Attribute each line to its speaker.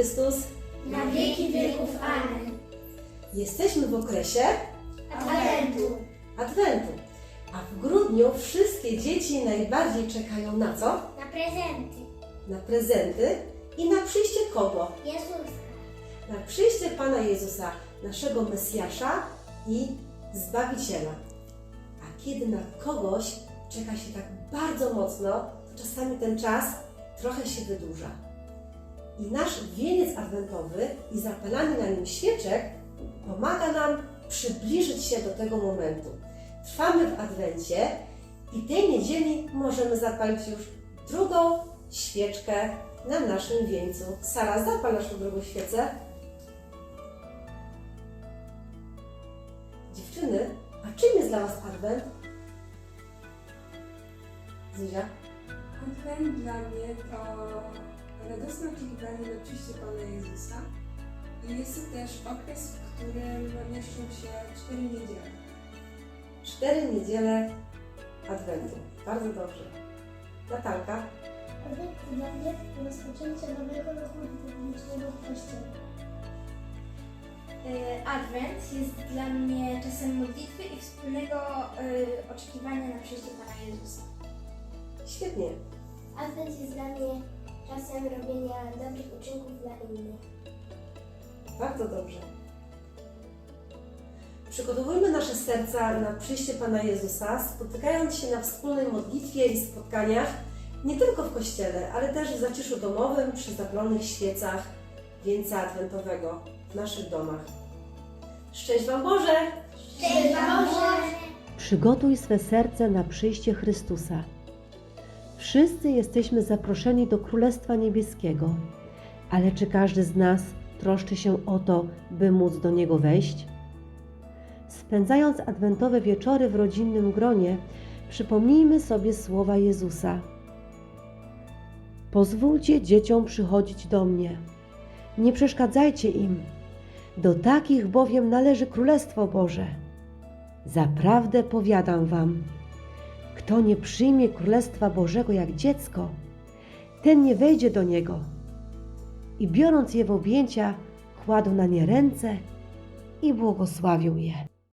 Speaker 1: Chrystus
Speaker 2: na wieki wieków. Amen.
Speaker 1: Jesteśmy w okresie
Speaker 2: Adwentu.
Speaker 1: A w grudniu wszystkie dzieci najbardziej czekają na co?
Speaker 2: Na prezenty.
Speaker 1: Na prezenty i na przyjście kogo?
Speaker 2: Jezuska.
Speaker 1: Na przyjście Pana Jezusa, naszego Mesjasza i Zbawiciela. A kiedy na kogoś czeka się tak bardzo mocno, to czasami ten czas trochę się wydłuża. I nasz wieniec adwentowy i zapalanie na nim świeczek pomaga nam przybliżyć się do tego momentu. Trwamy w Adwencie i tej niedzieli możemy zapalić już drugą świeczkę na naszym wieńcu. Sara, zapal naszą drugą świecę. Dziewczyny, a czym jest dla Was Adwent? Zuzia?
Speaker 3: Adwent dla mnie to radosne oczekiwanie na przyjście Pana Jezusa i jest to też okres, w którym mieszczą się 4 niedziele.
Speaker 1: 4 niedziele Adwentu. Bardzo dobrze. Natalka?
Speaker 2: Adwent dla mnie to rozpoczęcie nowego roku liturgicznego w Kościele. Adwent jest dla mnie czasem modlitwy i wspólnego oczekiwania na przyjście Pana Jezusa.
Speaker 1: Świetnie.
Speaker 2: Adwent jest dla mnie czasem robienia dobrych uczynków dla innych.
Speaker 1: Bardzo dobrze. Przygotowujmy nasze serca na przyjście Pana Jezusa, spotykając się na wspólnej modlitwie i spotkaniach, nie tylko w kościele, ale też w zaciszu domowym, przy zapalonych świecach wieńca adwentowego w naszych domach. Szczęść Wam Boże!
Speaker 2: Szczęść Wam Boże!
Speaker 4: Przygotuj swe serce na przyjście Chrystusa. Wszyscy jesteśmy zaproszeni do Królestwa Niebieskiego, ale czy każdy z nas troszczy się o to, by móc do Niego wejść? Spędzając adwentowe wieczory w rodzinnym gronie, przypomnijmy sobie słowa Jezusa. Pozwólcie dzieciom przychodzić do mnie. Nie przeszkadzajcie im. Do takich bowiem należy Królestwo Boże. Zaprawdę powiadam wam, kto nie przyjmie Królestwa Bożego jak dziecko, ten nie wejdzie do niego. I biorąc je w objęcia, kładł na nie ręce i błogosławił je.